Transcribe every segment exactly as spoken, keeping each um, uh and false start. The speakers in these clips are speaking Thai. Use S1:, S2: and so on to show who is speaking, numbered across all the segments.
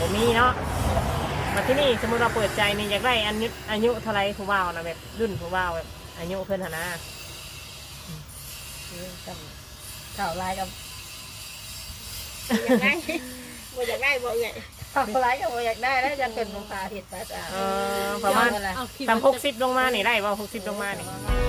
S1: บ่มีเนาะมาที่นี่สมมติเราเปิดใจนี่อยากได้อายุอายุเท่าไรผู้บ่าวนะแบบรุ่นผู้บ่าวแบบอายุเพิ่นหนนะ
S2: กับเก่าลายกับ
S3: อยากได้บ่อยากได้บ่ใหญ่
S2: เก่าลายกับอยากได้แล้วจะเป็นภาษาเห็ดภาษา
S1: เออประมาณสามหกสิบลงมานี่ได้ว่าหกสิบลงมานี่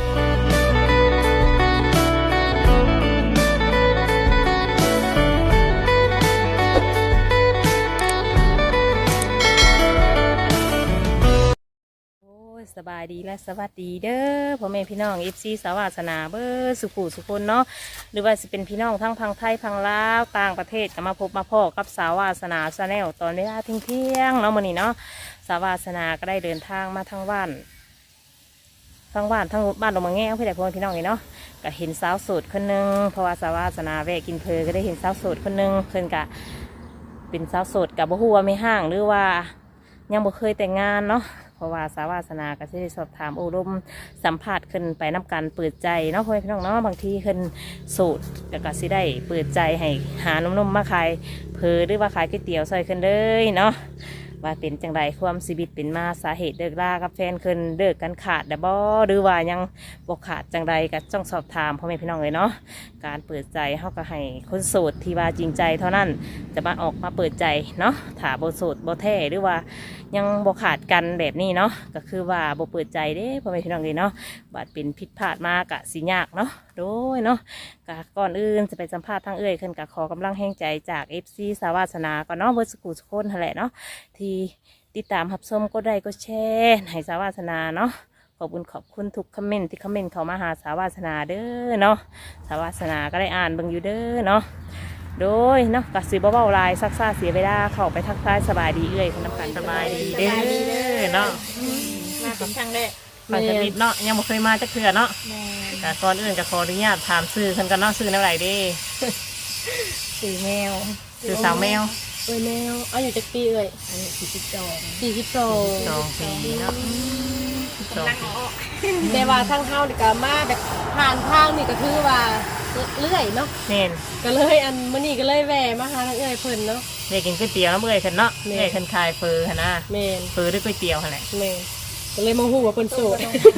S1: สบายดีและสวัสดีเด้อพ่อแม่พี่น้องเอฟซีสาวาสนาเบอร์สุขุสุคนเนาะหรือว่าจะเป็นพี่น้องทั้งพังไทยพังลาวต่างประเทศก็มาพบมาพ่อกับสาวาสนาชาแนลตอนเวลาเที่ยงเที่ยงเนาะมื้อนี้เนาะสาวาสนาก็ได้เดินทางมาทั้งบ้านทั้งบ้านทั้งบ้านลงมาแง่เพื่อแต่พ่อพี่น้องนี่เนาะก็เห็นสาวโสดคนนึงเพราะว่าสาวาสนาแวะกินเพลก็ได้เห็นสาวโสดคนนึงเพิ่นกะเป็นสาวโสดกับบ่ฮู้ว่าไม่ห่างหรือว่ายังบ่เคยแต่งงานเนาะเพราะว่าสาวาสนาก็จะได้สอบถามอบรมสัมภาษณ์ขึ้นไปนับการเปิดใจเนาะพ่อพี่น้องเนาะบางทีขึ้นสูตรแล้วก็สิได้เปิดใจให้หานมๆมาขายเพอหรือว่าขายก๋วยเตี๋ยวซอยขึ้นเลยเนาะว่าเป็นจังไรความชีวิตเป็นมาสาเหตุเลิกลากับแฟนขึ้นเลิกกันขาดแต่บ่หรือว่ายังบ่ขาดจังไรก็ต้องสอบถามพ่อแม่พี่น้องเลยเนาะการเปิดใจเขาก็ให้คนโสดที่ว่าจริงใจเท่านั้นจะมาออกมาเปิดใจเนาะถ้าบ่โสดบ่แท้หรือว่ายังบ่ขาดกันแบบนี้เนาะก็คือว่าบ่เปิดใจเด้พ่อแม่พี่น้องเลยเนาะบาดเป็นผิดพลาดมากะสิยากเนาะโดยเนาะก็ก่อนอื่นจะไปสัมภาษณ์ทางเอ่ยขึ้นกับขอกำลังแห่งใจจาก เอฟ ซี สาวาสนาก่อนเนาะเบอร์สกูสโคนนั่นแหละเนาะที่ติดตามรับชมก็ได้ก็แชร์ให้สาวาสนาเนาะขอบคุณขอบคุณทุกคอมเมนต์ที่คอมเมนต์เข้ามาหาสาวาสนาเด้อเนาะสาวาสนาก็ได้อ่านเบิ่งอยู่เด้อเนาะโดยเนาะกัดสีเบาๆลายซักซ่าเสียเวลาเข้าไปทักทายสบายดีเอ่ยคุณน้ำกันสบายดีเด้อเนาะ
S3: มาเป็นครั้งแรก
S1: มาจะมิดเนาะยังบ่เคยมาจักเทื่อเนาะแต่ก่อนอื่นก็ขออนุญาตถามซื้อเพิ่นกันเนาะซื้อแนวไหนเด้
S2: สีแมว
S1: ซื้อสาวแมว
S3: เอ้ยแมวอายุจักปีเอ้ย
S2: อันนี้สี่สิบสอง
S3: สี่สิบสอง
S1: สองปีเนาะ
S3: นั่งออกแต่ว่าทางเฮานี่ก็มาแบบผ่านทางนี่ก็คือว่าเลื่อยเนาะ
S1: แม่น
S3: ก็เลยอันมื้อนี้ก็เลยแวะมาหาทางเอ้ยเพิ่นเนาะ
S1: ได้กินก๋วยเตี๋ยวแล้วเมื่อยขึ้นเนาะเมื่อยขึ้นคายเฟอหั่นนะ
S3: แม่น
S1: เฟอด้วยก๋วยเตี๋ยวหั่นแหละ
S3: แม่นก็เลยมาฮู้ว่าเพิ่นโสด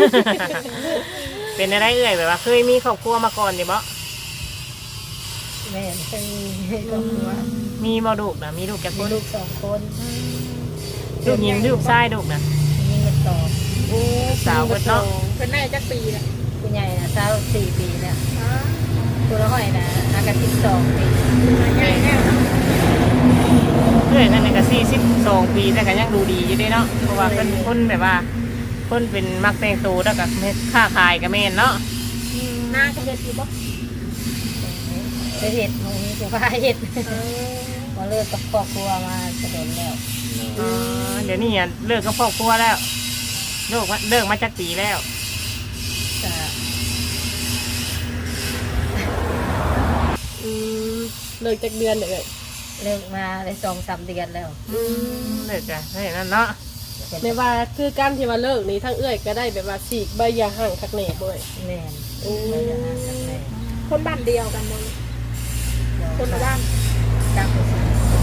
S1: เป็นอะไรเอ่ยแบบว่าเคยมีครอบครัวมาก่อนอยู่บ่
S2: แม่เคยมีครอบครัว
S1: มีบ่ลูกนะมีลูกแก่คน
S2: ลูกสองคน
S1: ลูกหญิงลูกชายลูกนะ
S2: มีเงินสอง
S3: โอ้
S1: สาวเนาะ
S3: เพิ่นได้จักปีแล้ว
S2: ผู้ใหญ่นะสาวสี่ปีแล้วตัวละห้อยนะอากันสิบสองปี
S3: ใหญ่แล้ว
S1: เพื่อนนั่นก็สี่สิบสองปีแต่ก็ยังดูดีอยู่ด้เนาะเพราะว่าเป็นคนแบบว่าคนเป็นมักแต่งตัวแล้วก็ค้าขายก็แม่นเนาะ
S3: หน้าก็เฮ็ดอยู่บ่
S2: ไปเห็ดตรงนี้จะว่าเห็ดมาเลิกกับครอบครัวมาจะโดนแล้ว
S1: เดี๋ยวนี้เลิกกับครอบครัวแล้วเลิกเลิกมาจากปีแล้ว
S2: จะ
S3: เลิกจากเดือนเลย
S2: เลิกมาได้สองสามเดือนแล้ว
S1: เลิกจ้ะให้นั่นเนาะ
S3: ไม่ว่าคือการที่ว่าเลิกนี้ทั้งเอื้อยก็ได้แบบว่าสีกใบยาห่างคักแหน่ด้วย
S2: แน่นใบยาห่างคักแหน่
S3: คนบ้านเดียวกันมั้งคนละบ้าน
S2: ต่างคน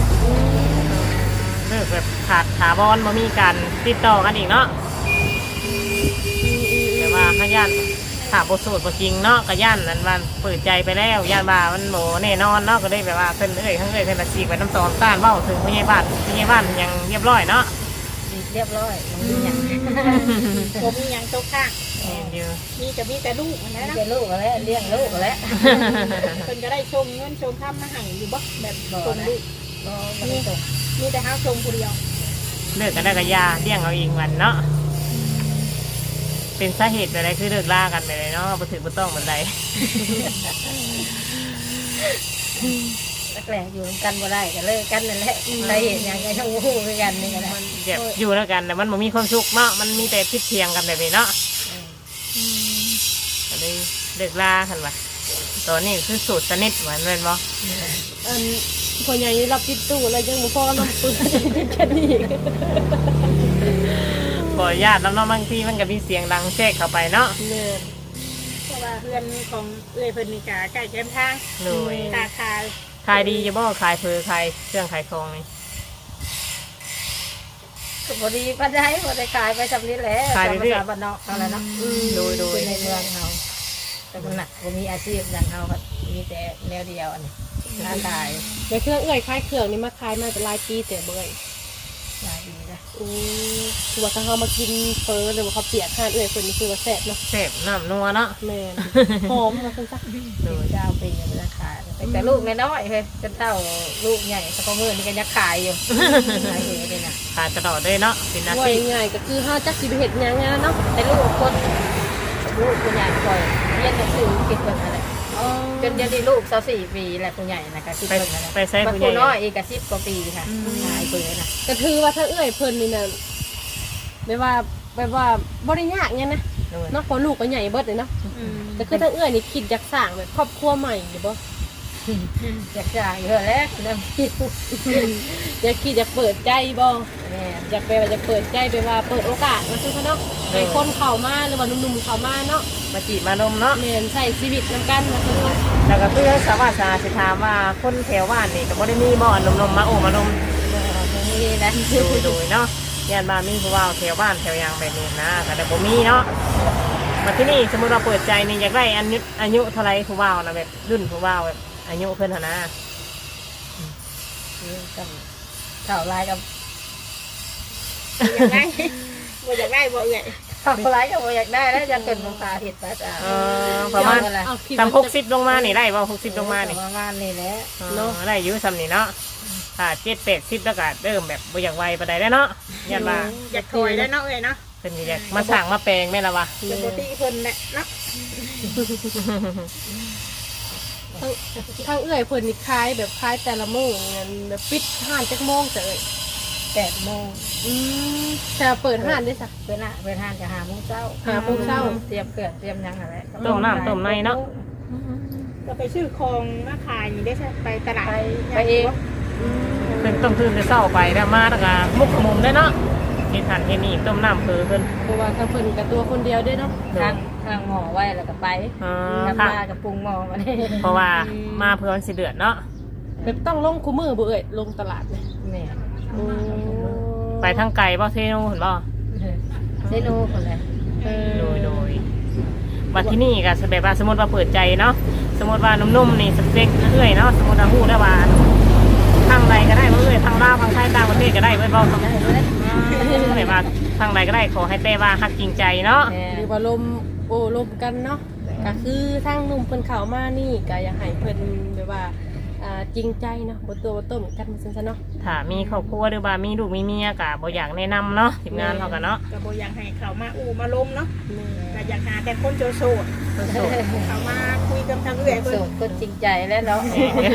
S1: เลิกแบบขาดขาบอลมามีการติดต่อกันอีกเนาะแต่ว่าขยันถามบทสวดบทจริงเนาะก็ย่านนั้นมันเปิดใจไปแล้วย่านบ่ามันโหแน่นอนเนาะก็ได้แบบว่าขึ้นเอ้ยขึ้นเอ้ยขึ้นละสีไปน้ำตอนต้านเบ้าถึงพี่ใหญ่บ้านพี่ใหญ่บ้านยังเรียบร้อยเนาะ
S2: เรียบร้อยมีอย่าง
S3: ผมมีอย่างโต๊ะข้างมีแต่มีแต่ลูกนะ
S2: มีแต่ลูกแล้วเลี้ยงลูกแล้ว
S3: คนก็ได้ชมเงินชมข้ามมาหังอยู่บ่แบบชมลูกมีมีแต่ห้าชมคนเดียว
S1: เลิกกันได้กับยาเลี้ยงเอาเองวันเนาะเป็นสาเหตุอะไรคือเลิกล่ากันไปเลยเนาะบ่ถือบ่ต้องเหมือนใด
S2: แรกอยู่กันบ่ได้ก็เลิกกันนั่นแหละสาเหตุอย่างไรทั้งคู่ด้วยกันนี่ก็ได้
S1: มันแบบอยู่แล้วกันแต่มันบ่มีความสุขเนาะมันมีแต่พิษเทียงกันแบบนี้เนาะก็เลยเลิกล่ากันว่ะตอนนี้คือสูตรสนิทเหมือนเป็นบ่
S3: อันคนใหญ่รับติดตู้แล้วยังบ่พอน้ำปืนแค่นี้
S1: ขอญาติแล้วเนาะบางทีมันก็มีเสียงดังแทรกเข้าไปเนาะ
S3: เพราะว่าเพื่อนของเอื้อยเพิ่นนี่ก็ใกล้แคมป์ทาง
S1: เลย
S3: ค้าขาย
S1: ขายดีจะบ่ขายเพอขายเครื่องขายของนี่
S2: พอดีปันได้พอได้ขายไปสำนี้แหละ
S1: ขาย
S2: ตาม
S1: เรื่
S2: ภา
S1: อย
S2: ษาบ้านนอกเอาละเนาะ
S1: โดยโดย
S2: คือในเมืองเขาแต่คนหนักผมมีอาชีพอย่างเขาครับมีแต่แนวเดียวอันนี้ค้าขาย
S3: ในเครื่องเอื้อยคล้ายเครื่องนี่มาขายมาเป็นหลายปีแต่เบื่อ
S2: ขายดีนะ
S3: อือคือว่าถ้าเขามากินเฟอหรือว่าเขาเปียกข้านเอื้อยคนนี้คือว่าแซ่บเนาะ
S1: แซ่บน้ำนัวเนาะ
S3: แม่นหอมมาซั่นซะ
S2: โดยเจ้าปียังไม่ได้ขายแต่แต่ลูกน้อยๆเฮ้ยจนเท่าลูกใหญ่สักมือนี่ก็ยังขายอยู่ขายอยู่เลยนะ
S1: ขายตลอดเลยเนาะเป็นอา
S3: ว่า
S1: ชีพ
S3: ง่ายๆก็คือเฮาจักสิไปเฮ็ดหยังไงเนาะ
S2: แต่ลูกคนลูกคนใหญ่คอยเรียนหนังสือคิดเบิ่งอะไร
S3: อ๋อ
S2: จนเดี๋ยวนี้ลูกสาวสี่ปีแหละคนใหญ่นะคะคิด
S1: ไป
S2: เบิ่งอะไร
S1: ไปใช้
S2: บาง
S1: ผู้
S2: ค
S1: ให
S2: น
S1: ญ่
S2: น้อยอีกกับสิบกว่าปีค่ะขายเปื่อยนะ
S3: ก็ถือว่าถ้าเอื้อยเพิ่นนี่น่ะแบบว่าแบบว่าบ่ได้ยากหยังนะ
S1: โดย
S3: เนาะเพราะลูกก็ใหญ่เบิดเลยเนาะแต่คือถ้าเอื้อยนี่คิดอยากสร้างแบบครอบครัวใหม่อยู่บ่
S2: อยากจ่ายเยอะแล้วน้ำคิด
S3: อยากคิดอยากเปิดใจบ่
S2: แม่
S3: อยากไปว่าจะเปิดใจไปว่าเปิดโอกาสมาซื้อเขาเนาะให้คนเข้ามาหรือว่าหนุ่มๆเข้ามาเนาะ
S1: มาจีบมานมเนาะ
S3: แม่นใช้ชีวิตนำกันมาซื้อเขา
S1: แล้วก็คือสาวาสาสิถามว่าคนแถวบ้านนี่ก็บ่ได้มีบ่อนนมๆมาโอ้มานม
S2: นี่นะ
S1: โดยโดยเนาะย่านบ้านมีผู้ว่าแถวบ้านแถวหยางแบบนี้นะแต่บ่มีเนาะมาที่นี่สมมติเราเปิดใจนี่อยากได้อายุอายุเท่าไรผู้ว่านะแบบรุ่นผู้ว่าแบบอายุเพิ่นหนนะ
S2: กับข่าวลายกับ
S3: อยากได้บ่อยากได้บ่เอื้อย
S2: ข่าวลายกับอยากได้แล้วจะเกิดมาพาเห็ดป้าจ๋า
S1: เออประมาณ
S3: เอาคิด
S1: สามห
S3: ว่าก
S1: สิบลงมานี่ได้บ่หกสิบลงมานี่
S2: ประมาณนี้แหละ
S1: เนาะได้อายุซ้ำนี่เนาะถ้าเจ็ดแปดสิบแล้วก็เริ่มแบบบ่อยากไวปานใดแล้วเนาะย่านว่า
S3: อยากถอยแล้วเนาะเอ้ยเนาะ
S1: เพิ่นสิอยากมาสร้างมาแปลงแม่นละวะ
S3: ปกติเพิ่นแหละเนาะทางเอื้อยเพิ่นนี่คล้ายแบบคล้ายแต่ละมื้องั้นแบบปิดห้านจักโมงจ้ะเอ้ย
S2: แปดโมง
S3: อืมแต่เปิดห้านได้จ้ะ
S2: เป็นอะเป็นทานจะหาโมงเช้า
S3: หาโมงเช้า
S2: เตรียมเกลือเตรียมยังอะไร
S1: ต้มน้ำต้มในเนาะ
S3: ก็ไปซื้อของมาขายนี่ได้ใช่ไปตลาด
S2: ไปไปเอง
S1: เพิ่นต้องตื่นแต่เช้าไปแล้วมาแล้วก็มุกขมุมได้เนาะเฮ็ดหันเฮ็ดนี่ต้มน้ำคือเพิ่น
S3: เพราะว่าถ้าเพิ่นกับตัวคนเดียวด้วยเนาะ
S2: ทางทางหมอไว้แล้วก็ไป
S1: อ่า
S2: ทำ
S1: ค่ะ
S2: มากับปรุงหมอมาเนี่ย
S1: เพราะว่ามาเพื่อวันสิเดือดเนาะ
S3: แบบต้องลงคู่มือบ่เอ่ยลงตลาดเนี่ย
S2: เนี่ย
S1: ไปทางไก่บ่เทนูเห็นบ่
S2: เซนูคนเลย
S3: เออ
S1: โดยโดยบัดที่นี่ก็แบบว่าสมมติว่าเปิดใจเนาะสมมติว่านุ่มๆนี่สเปคเอื้อยเนาะสมมติว่าฮู้ได้ว่าทางใดก็ได้บ่เอื้อยทางลาวทางไทยต่างประเทศก็ได้เบิดบ่ทางไหนแบบว่าทางใดก็ได้ขอให้แต่ว่าฮักจริงใจเนาะ
S3: หรือว่าลมโอ้ลมกันเนาะก็คือทางหนุ่มเพิ่นเข้ามานี่ก็อยากให้เพิ่นแบบว่าอ่าจริงใจเนาะบ่ตัวบ่ต้มกันซั่นซะเนาะ
S1: ถ้ามีครอบครัวหรือว่ามีลูกมีเมียก็บ่อยากแนะนำเนาะทีมงานเขากันเนาะ
S4: ก็บ่อยากให้เขามาอูมาลมเนาะ
S3: แม่
S4: ก็อยากหาแต่คนโจโสด
S1: คนโสด
S4: เขามาคุยกับทางเอื้อยเพิ่
S2: โส
S4: น
S2: ดคนจริงใจแล้วเนาะ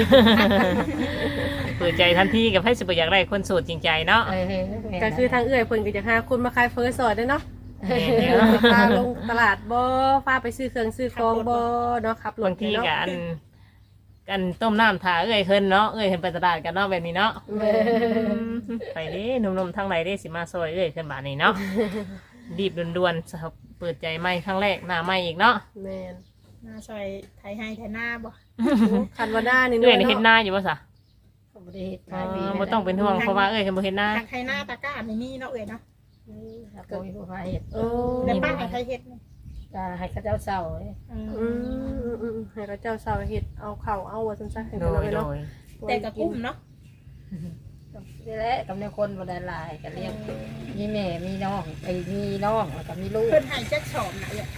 S1: เปิดใจทันทีกับให้สิบ่อยากได้คนโสดจริงใจเนาะ
S3: ก็คือทางเอื้อยเพิ่นก็อยากหาคนมาขายเฟอร์ซอยด้วยเนาะ
S1: แม่นเนาะ
S3: พาลงตลาดบ่พาไปซื้อเครื่องซื้อของบ่เนาะขับรถ
S1: บางที
S3: เนาะ
S1: ก็อันกันต้มน้ำถ่าเอ้ยเพิ่นเนาะเอ้ยเพิ่นไปตลาดกันเนาะแบบนี้เนาะ
S3: แม่
S1: ไปเด้หนุ่มๆทั้งหลายเด้สิมาซอยเอ้ยขึ้นบาดนี้เนาะรีบด่วนๆสำหรับเปิดใจใหม่ครั้งแรกหน้าใหม่อีกเนาะ
S3: แม่น
S4: มาซอยไทยให้ไทยหน้าบ่
S3: คันว่าหน้านี่
S1: เอ้ย
S3: เนาะ
S1: เฮ็ดหน้าอยู่บ่ซะ
S2: บ่ได้เฮ็ด
S1: อ๋
S2: ขายดี
S1: อบ่ต้องเป็นห่วงเพราะว่าเอ้ยเพิ่นบ่เฮ็ดหน้า
S4: ทางไทยหน้าตะกร้านี่มีเนาะเอ้ยเนาะ
S2: ครับบ่มีผู้พาเฮ็ด
S3: โอ้
S4: แต่ป้าให้ใครเฮ็ดนี่
S2: ก็ให้เขาเจ้าเศร้าเลย
S4: อืม
S3: อืมอืมอืมให้เขาเจ้าสาวเฮ็ดเอาข้าวเอาว่าซั่นซะให้
S1: โด
S3: เพิ่น
S1: ย
S3: เอา
S1: โด
S3: ไว้เนาะ
S1: ย
S4: แต่ก็กุ้มเนาะ
S2: นี่แหละกับในคนบ่ได้หลายก็เลี้ยงมีแม่มีน้องไอ้มีน้องแล้วก็มีลูก
S4: เพิ่นให้จักสอบน่ะเอ้ย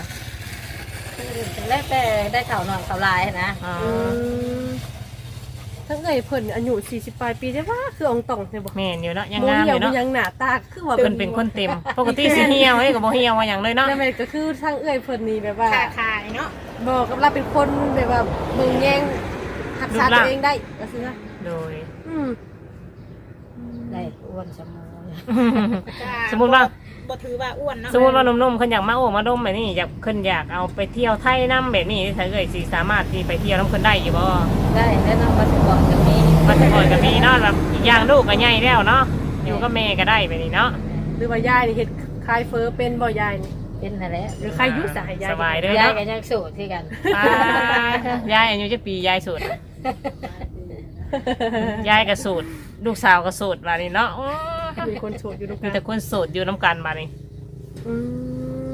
S2: แล้วแต่ได้ข่าวหน่อยข่าวลายนะ
S1: อ๋อ
S3: อืมทั้งเอ้ยเพิ่นอายุสี่สิบปลายปีได้ว่าคืออองตองใช่บ่
S1: แม่นอยู่เนาะยัง
S3: บ่
S1: งามอ
S3: เหี่ยว
S1: ยู่
S3: บ่
S1: เนาะ
S3: ยังหน้าตาคือว่า
S1: เพิ่นเป็นคนเต็มปกติสิเหี่ยวเอ้ยก็บ่เหี่ยวว่าหยังเลยเนาะ
S3: นั่นแม่นก็คือทางเอ้ยเพิ่นนี่แบบว่า
S4: ค่าขายเนาะ
S3: บอกกับเราเป็นคนแบบว่าเบิ่งแยงรักษาตัวเองได้ก็คือว่า
S1: โดย
S3: อืม
S2: ได้อ้วนสมอง
S4: ก็
S1: สมมุติว่า
S4: บ่ถือว่าอ้วนเนาะ
S1: สมมุติว่าหนุ่มๆเพิ่นอยากมาโอ้มาดมแบบนี้อยากเพิ่นอยากเอาไปเที่ยวไทยนํแบบนี้ถ้าเอ้ยสิสามารถที่ไปเที่ยวนํเพิ่นได้อยู่บ่
S2: ได้แล้วน้องมาสปอร์ตตรงนี้
S1: มันก่อนก็มีเนาะแบบอีกอย่างลูกก็ใหญ่แล้วเนาะอยู่กับแม่ก็ได้แบบนี้เนาะ
S3: หรือว่ายายนี่เฮ็ดคลายเฟอเป็นบ่ยายนี่
S2: เป็นนั่นแหละ
S3: หรือใครอยุ่สายยาย
S1: สบายเด้อย
S2: าย
S1: เนาะ
S2: กันยังสูตรที่กัน
S1: อ่ายายอายุจะปียายสูตรยายก็สูตรลูกสาวก็สูตรแบบนี้เนาะโอ้ย
S3: มีคนโสดอยู่ตรงก
S1: มี
S3: ลาง
S1: แต่คนโสดอยู่น้ำกันมานี่
S3: อืม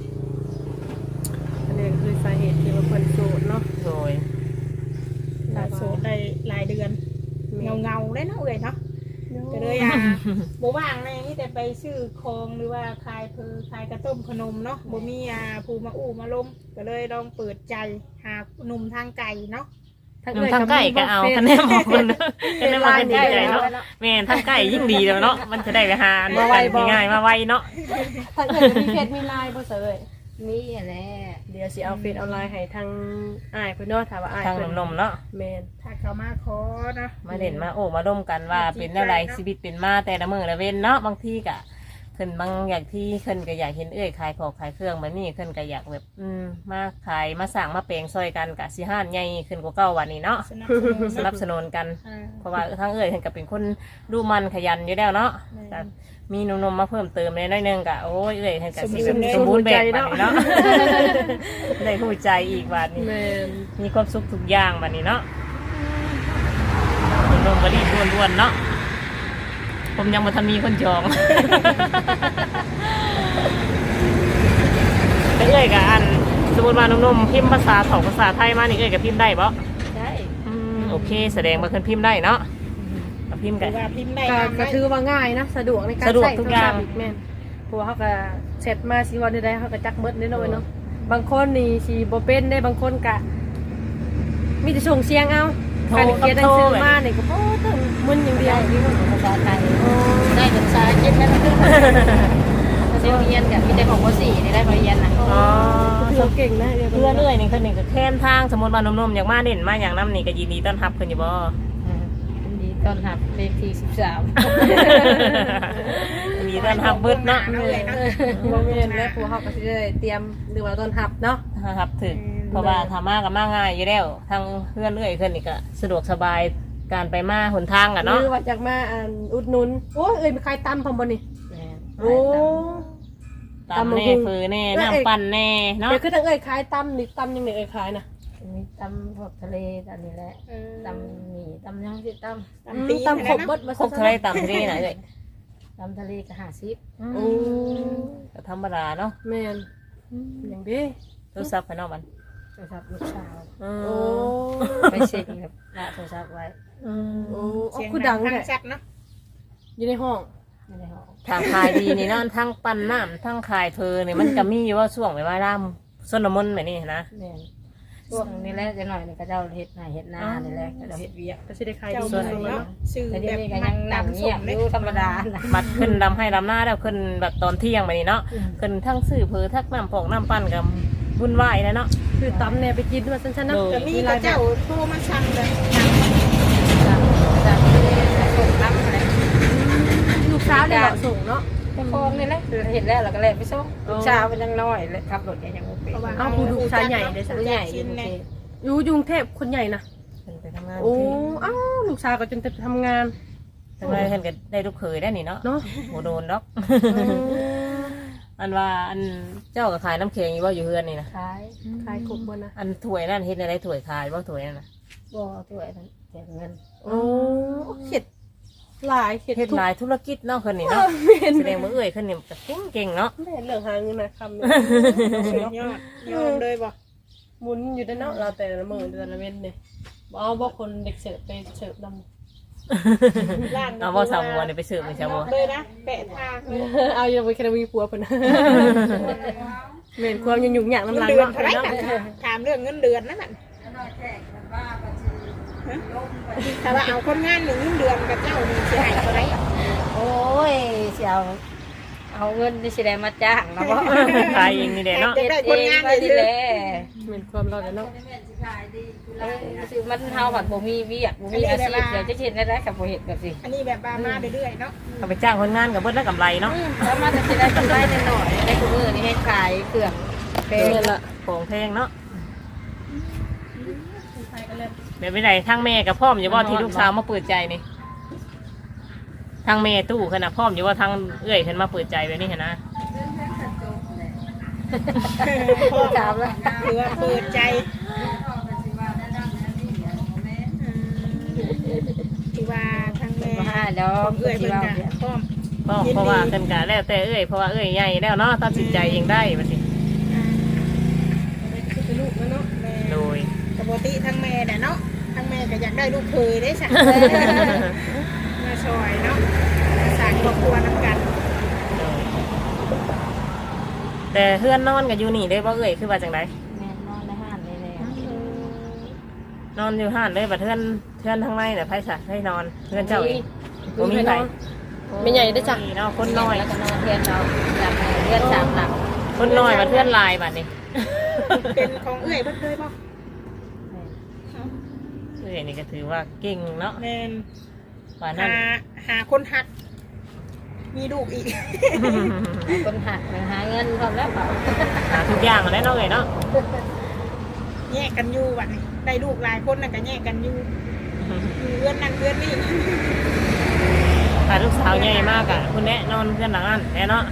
S3: อันนี้ก็คือสาเหตุที่ว่าเพิ่นโสดเนาะ
S1: โดย
S4: ถ้าโสดได้หลายเดือนเงาเงาๆเลยเนาะเอ้ยเนาะก็เลยอ่ะบ่ว่างในนี่แต่ไปซื้อของหรือว่าขายเพอขายกระต้มขนมเนาะบ่มีอ่าผู้มาอู้มาลมก็เลยลองเปิดใจหาหนุ่มทางไกลเนาะ
S1: นำทางใกล้ก็เอาคะแนนบอกคนคะแนนมาเป็นดีใจเนาะแม่นทางใกล้ยิ่งดีแล้วเนาะมันจะได้ไปหาอันกันง่ายๆมาไวเนาะ
S3: ถ้าเกิดมีเฟซมีไลน์บ่เสย
S2: มีอะไร
S3: เดี๋ยวสิเอาเฟซเอาไลน์ให้ทางอ้ายเพิ่นเนาะถ้าว่าอ้าย
S1: ทาง
S3: เพิ่น
S1: นมๆเนาะ
S3: แม่น
S4: ถ้าเขามาขอเนาะ
S1: มาเด่นมาโอ้มาร่วมกันว่าเป็นอะไรชีวิตเป็นมาแต่ละมือละเว้นเนาะบางทีกะขึ้นบางอย่างที่ขึ้นก็อยากเห็นเอ้ยขายของขายเครื่องแบบนี้ขึ้นก็อยากแบบอืมมาขายมาสั่งมาเปลงซอยกันกะสิห้านใหญ่ขึ้นกว่าเก้าวันนี้เนาะ
S4: สนับสนุน
S1: สนับสนุนกัน
S4: อ่า
S1: เพราะว่าทั้งเอ้ยขึ้นก็เป็นคนดูมันขยันอยู่แล้วเนาะแต่มีหนมๆมาเพิ่มเติมในน้อยหนึงกะโอ้ยเอ้ยขึ้นกะสิสมบูรณ์แบบบัดนี้เนาะ ได้หูใจอีกบัดนี้
S3: แม่น
S1: มีความสุขทุกอย่างบัดนี้เนาะหนมๆก็รีบด่วนๆเนาะผมยังมาทันมีคนจอง เอ้ยกับอันสมมติว่านุ่มๆพิมพ์ภาษาเถาภาษาไทยมานี่เอ้ยกับพิมพ์ได้ปะ
S2: ได้
S1: อืมโอเคแสดงมาขึ้นพิมพ์ได้เนาะกับพิมพ์
S4: ห
S1: กั
S4: รื
S1: น
S4: อว่าพิมพ์ได้
S3: ก็
S4: ตาม
S3: ก็
S4: ได้
S3: ถือว่าง่ายนะสะดวกในการ
S1: สะดวก
S3: ใช้
S1: ทุกอย่าง
S3: โทรศัพท์อีกแม่นเพราะว่าเขาก็เสร็จมาสิวันใดๆเขาก็จักเบิดนิดหน่อยเนาะบางคนนี่สิบ่เป็นได้บางคนก็มีแต่ส่งเสียงเอาการเขียนหนังสือมานี่ก็โอ้ถึงมึนอย่างเดียว
S2: ที่ภาษาไทยได้ภาษาจีนนั่นคือภาษาเรียนกับมีแต่ของภาษีนี่ได้มาเรียนนะ
S1: อ๋อ
S3: ถือว่าเก่งนะเดี๋ยว
S1: เพื่อนเอ้ยนี่คนหนึ่งก็แค้นทางสมมติว่านุ่มๆอยากมาเด่นมาอย่างน้ำนี่ก็ยินดีต้อนรับคนอยู่บ่
S2: ยินดีต้อนรับเลขที่สิบสาม
S1: ยินดีต้อนรับเบิดเนาะ
S4: เอาเลยเนาะ
S3: บ่แม่นแล้วพวกเขาก็สิได้เตรียมหรือว่าต้อนรับเนาะ
S1: ครับถึงเพราะว่าทามากับมาง่ายอยู่แล้วทางเพื่อนเอ้ยคนนี่ก็สะดวกสบายการไปมาหนทางอ่ะ
S3: ห
S1: เนาะ
S3: รือว่าจากมาอ่านอุดหนุนโอ้ยเอ้ยมีใครตำพร้อมบ่นี่โอ้
S1: ตำแน่ฟือแน่น้ำปั่นแน่เนาะ
S3: เดี๋ยวคือทั้งเอ้ยขายตำนี่ตำยังไงเอ้ยขายนะ
S2: มีตำพวกทะเลตอนนี้แหละ
S4: เออ
S2: ตำหมี่ตำยังสิต
S4: ตามตีน
S3: ตำขบ
S4: นะ
S3: เบิดมา
S1: ครบทะเลตำทะเลไหนเลย
S2: ำตำทะเลก็ห้าสิบ
S3: โอ้
S1: ก็ธรรมดาเนาะ
S3: แม่นอย่างดี
S1: โทรศัพท์ภายนอกมัน
S2: โทรศัพท์ลูกสาว
S1: อื
S3: โอ้
S1: ม
S2: ไปเช็คกับละโทรศัพท์ไว้
S1: อืม
S3: โอ้
S4: เสียง
S3: คือดัง
S4: ทา
S3: แท้
S4: ชัดเนาะ
S3: อยู่ในห้อง
S2: ไม่ได้ห้อง
S1: ทางขายดีนี่เนาะทั้งปั่นน้ำทั้งขายเพลเนี่ยมันก็มีอยู่ว่าช่วงเวลาล่ำส้นมนต์แบบนี้นะ
S2: แม่นพวกนี้แหละจะหน่อยนี่ก็เจ้าเฮ็ดหน้าเฮ็ดหน้านี่แหละก็เจ้าเฮ็ดเวียก
S3: ก็สิได้ขาย
S4: เจ้า
S3: ดี
S4: ส่วน
S3: ส่วน
S4: เนาะ
S3: เนาะ
S4: สื่อ
S2: แต่
S4: แบ
S2: เดี๋ยว
S4: บ
S2: นี้ก็ยังนั่งเงียบอยู่ธรรมดานะ
S1: บัดขึ้นดำให้ดำหน้าแล้วขึ้นแบบตอนเที่ยงแบบนี้เนาะขึ้นทั้งสื่อเพอทั้งน้ำปอกน้ำปั่นกับวุ่นวายแล้วเนาะ
S3: คือตำเนี่ยไปกินมาสั้นๆเนาะ
S1: โดย
S4: แต่มีก็เจ้าโทรมาสั่งเลย
S2: จากจากทะเลส่งน้ำอะไร
S3: ลูกสาวเนี่ยเหมาะส่งเนาะ
S2: ไปคลองนี่แหละเห็นแล้วเราก็เลยไปส่งลูกสาวมันยังน้อยเลยขับรถยังโอเค
S3: อ้าวผู้ลูกชายใหญ่เลยสะ
S2: ผู้ใหญ่อ
S4: ชิ้
S2: ยู่
S4: น
S2: โอ
S4: เนี่
S2: เค
S4: ย
S3: อยู่กรุงเทพคนใหญ่นะ
S1: ขึ้นไปทำงาน
S3: โอ้อ้าวลูกสาวก็จนจะทำงาน
S1: ทำไมขึ้นก็ได้ลูกเขยได้นี่เนาะ
S3: เนาะ
S1: โหโดนดอก อันว่าอันเจ้าก็ขายน้ำแข็งอยู่ว่าอยู่เฮือนนี่นะ
S2: ขาย
S3: ขายครบบ่นะ
S1: อันถ้วยนั่นเฮ็ดอะไรถ้วยขายว่าถ้วยนั่นนะ
S2: บ่ถ้วยนั่นแจกเงิน
S3: โอ้เข็ดหลายเข็ด
S1: เฮ็ด
S3: ทุก
S1: หลายธุรกิจเนาะคนนี้เนาะแสดงว่าเอ้ยคนนี้ก็เก่งเก่งๆเนาะ
S3: แม่เรื่องหาเงินนะคำ
S4: สุดยอดยอมเลยบ่
S3: หมุนอยู่ด้านนอกเราแต่ละมือแต่ละเว้นเนี่ยเอาบอกคนเด็กเสิร์ฟไปเสิร์ฟน
S4: ร้าน
S1: เอาว่าสาวบัวนี่ไปเสิร์ฟนี่สาวบัว
S4: เลยนะแปะทางเลย
S3: ำ เอาอย่าไปแค่มีผัวเพิ่นเม่นความยังยุ่งยาก
S4: เงิ
S3: น้ำ
S4: น
S3: ลาย
S4: เดือน
S3: เนาะ
S4: เท่าไหร่น่ะถามเรื่องเงินเดือนนั่นน่ะแต่ว่าเอาคนงานหนึ่งเงินเดือนกับเจ้านี่เสียหายเท่าไหร่
S2: โอ้ยเสียวเอาเงินที่สิได้มาจ้างนะบ่
S1: ขายเองนี่แหละเนาะ
S2: เฮ็ดเองมาดีแหละ
S3: เม่นความเราเนาะ
S2: เออคือมันเฮาผัดบ่มีเวียกบ่มีอาชีพเดี๋ยวจะเห็นได้ได้กับบ่เฮ็ดแบบสิ
S4: อันนี้แบบบามาเรื่อยๆเนาะ
S1: เอาไปจ้างคนงานกับเบิ้ลได้กำไรเนาะ
S2: แล้วมาจะสิได้กำไรหน่อยๆได้กูมือนี่ให้ขายเครื่องเพลง
S3: เม่นละ
S1: ของแพงเนาะเดี๋ยวไปไหนทางแม่กับพ่อมอยู่ว่าที่ลูกสาวมาเปิดใจนี่ทางแม่ตู้ขนาดพ่อมอยู่ว่าทางเอื้อยฉันมาเปิดใจแบบนี้เห็นนะ
S4: พ่อ
S2: ถามแล้ว
S4: ถือว่าเปิดใจถือว่าทางแม่
S2: มาหาได้แล้ว
S4: ของเอื้อยเพิ่นก็พร้อม
S1: ก็เพราะว่าเพิ่นก็แล้วแต่เอ้ยเพราะว่าเอ้ยใหญ่แล้วเนาะตัดสินใจเองได้บัดนี้
S4: อ่า
S3: เป็นลูกแล้วเนาะ
S4: แม่
S1: โดย
S4: ปกติทั้งแม่น่ะเนาะทั้งแม่ก็อยากได้ลูกเคยได้สั่งมาช่วยเนาะมาสร้างครอบครัวนำกัน
S1: แต่เพื่อนนอนกับอยู่นี่ได้บ่เอ้ยคือว่าจังได
S2: แม่นอนในห้านเลยเลย
S1: นอนอยู่ห้านเลยบัดเพื่อนเพื่อนทั้งในน่ะไผซะให้นอนเพื่อนเจ้าเองบ่มีไผ
S3: ไม่ใหญ่ได้จ้ะ
S1: มีเนาะคนน้อย
S2: แล้วก็นอนเพื่อนเราหลับเพื่อนสามหลับ
S1: คนน้อยบัดเพื่อนหลายบัดนี้
S4: เป็นของเอื้อยเพิ่นเคยบ่
S1: เอ้ยนี่ก็ถือว่าเก่งเนาะ
S4: แม่น
S1: ว่านั่
S4: หาน หาคนหัก มีลูกอีก
S2: คนหักหาเงินพร้อมแล้วเปล่า
S1: หาทุกอย่างแล้วเนาะเอ้ยเนาะ
S4: แยกกันอยู่บัดนี้ได้ลูกหลายคนน่ะก็แยกกันอยู่อยู่เรือนนั่นเรือนนี่
S1: ถ้าลูกสาวใหญ่มากอ่ะคุณแนะนอนเพื่อนหลังนั้นแน่เนาะ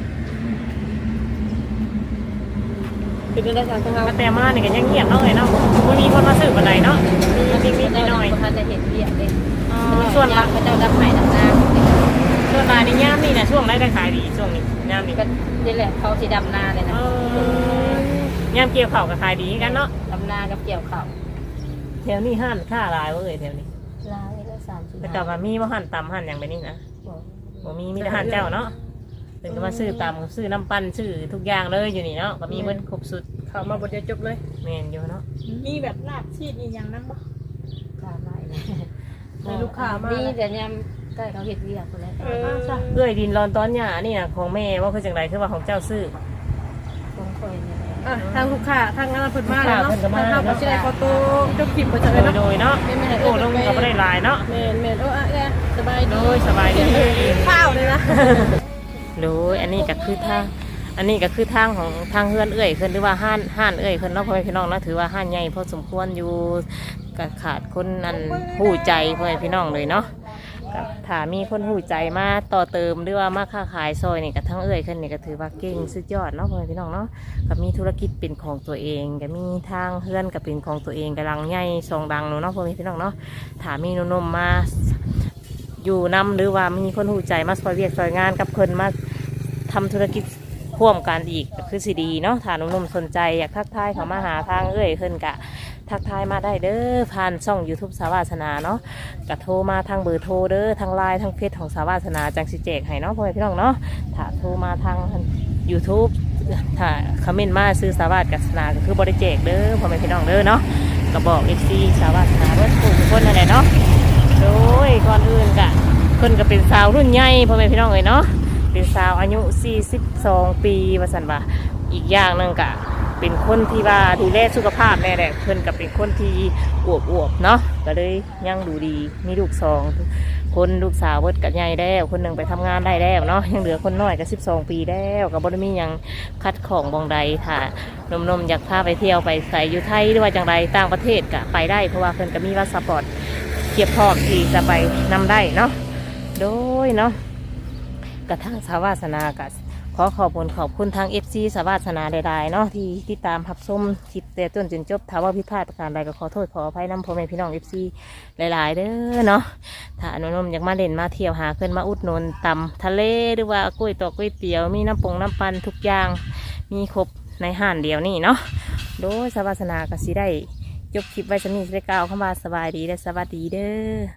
S3: เป็นได้จ้ะทางเรา
S1: มาแต่มานี่ก็ยังเงียบเนาะเอ้ยเนาะบ่มีคนมาสืบปานใดเนาะมันนิดๆหน่อย
S2: เขาจะเห็นเบียดเลย
S1: ๆอ๋อส่วนละ
S2: พระเจ้าดับไผ่ดับนา
S1: ส่วนลายนี่ย่ามนี่นะช่วงไรได้ขายดีช่วงนี้ย่ามนี่
S2: ก็นี่แหละเขาสีดำนาเลยนะ
S1: เออย่ามเกี่ยวเข่าวกับขายดีกันเนาะ
S2: ดำนากับเกี่ยวเข่า
S1: แถวนี้ห้านค่าหลายเว้ยแถวนี้
S2: ลายละสามสิบ
S1: แต่กับว่ามีว่าห้านตำห้านอย่างไปนี่นะบ่มีมีแต่ห้านเจ้าเนาะถึงก็มาซื้อตำซื้อน้ำปั้นซื้อทุกอย่างเลยอยู่นี่เนาะก็มีเบิดครบสุด
S3: เข้ามาบทเดียวจบเลย
S1: แมนอยู่เนาะ
S4: มีแบบลาบชีดอีกอย่างนั้นบ่
S2: กาไล่
S3: ในลูกค้ามา
S2: นี่แต่ยำใกล้เขาเห็ดเวียกคนแล้ว
S4: เออ
S1: เอ้ยดินรอนตอนหญ้านี่นะของแม่ว่าคือจังไรคือว่าของเจ้าซื้อ
S2: คงคอยเนี่ย
S3: อ่ะทางลูกค้าทางงานเพิ่นมาแล้วเนาะ
S1: เพิ่นก็มา
S3: ทางเขาก็สิได้ขอตัวจบคลิปบ่จัง
S1: โด
S3: เลย
S1: ย
S3: เนาะ
S1: โดยเนาะโอ้ลงก็ไม่ได้หลายเนาะ
S3: แม่นแม่นโอ้อะแกสบาย
S1: โด
S3: ดี
S1: ยสบายดี
S3: ข้าวเลยนะ
S1: โดยอันนี้ก็คือทางอันนี้ก็คือทางของทางเฮือนเอ้ยขึ้นหรือว่าห้านห้านเอ้ยขึ้นเนาะพ่อแม่พี่น้องเนาะถือว่าห้านใหญ่พอสมควรอยู่ก็ขาดคนนั่นหู้ใจพ่อแม่พี่น้องเลยเนาะก็ถ้ามีคนหู้ใจมาต่อเติมหรือว่ามาค้าขายซอยนี่ก็ทั้งเอ้ยขึ้นนี่ก็ถือว่าเก่งสุดยอดเนาะพ่อแม่พี่น้องเนาะก็มีธุรกิจเป็นของตัวเองก็มีทางเฮือนก็เป็นของตัวเองกำลังใหญ่สองดังเนาะพ่อแม่พี่น้องเนาะถ้ามีหนุ่มๆมาอยู่นำหรือว่ามีคนหู้ใจมาซอยเวียกซอยงานกับเพิ่นมาทำธุรกิจร่วมกันอีกก็คือสิดีเนาะถ้าหนุ่มๆสนใจอยากทักทายเขามาหาทางเอ้ยขึ้นกะทักทายมาได้เด้อผ่านช่อง YouTube สาวาสนาเนาะกะโทรมาทางเบอร์โทรเด้อทางไลน์ทางเฟซของสาวาสนาจังสิแจกให้เนาะพ่อแม่พี่น้องเนาะถ้าโทรมาทาง YouTube ถ้าคอมเมนต์มาซื้อสาวาสนาก็คือบริแจกเด้อพ่อแม่พี่น้องเด้อเนาะก็บอก เอฟ ซี สาวาสนาเบิดทุกคนนั่นแหละเนาะโดยก่อนอื่นกะเพิ่นก็เป็นสาวรุ่นใหญ่พ่อแม่พี่น้องเลยเนาะเป็นสาวอายุสี่สิบสองปีว่าซั่นว่าอีกอย่างหนึงกะเป็นคนที่ว่าดูแลสุขภาพแน่แหละเพิ่นก็เป็นคนที่อวบอวบๆเนาะก็เลยยังดูดีมีลูกสองคนลูกสาวเบิดกับใหญ่แล้วคนหนึ่งไปทำงานได้แล้วเนาะยังเหลือคนน้อยก็สิบสองปีแล้วก็บ่ได้มีหยังคัดของบองใดถ้านมๆอยากพาไปเที่ยวไปใส่อยู่ไทยหรือว่าจังไรต่างประเทศก็ไปได้เพราะว่าเพิ่นก็มีพาสปอร์ตเทียบพร้อมที่จะไปนำได้เนาะโดยเนาะกระทั่งสาวาสนากับขอขอบคุณขอบคุณทาง เอฟ ซี สาวาสนาใดๆเนาะที่ที่ตามรับชมคลิปแต่ต้นจนจบถ้าว่าผิดพลาดประการใดก็ขอโทษขออภัยน้ำพ่อแม่พี่น้อง เอฟ ซี หลายๆเด้อเนาะถ้าอนุนมอยากมาเล่นมาเที่ยวหาขึ้นมาอุดหนุนตำทะเลหรือว่ากล้วยตอกกล้วยเตี๋ยวมีน้ำปงน้ำปันทุกอย่างมีครบในห้านเดียวนี่เนาะโดยสาวาสนาก็สิได้จบคลิปไว้สำนี้สิได้กล่าวคำว่าสบายดีและสวัสดีเด้อ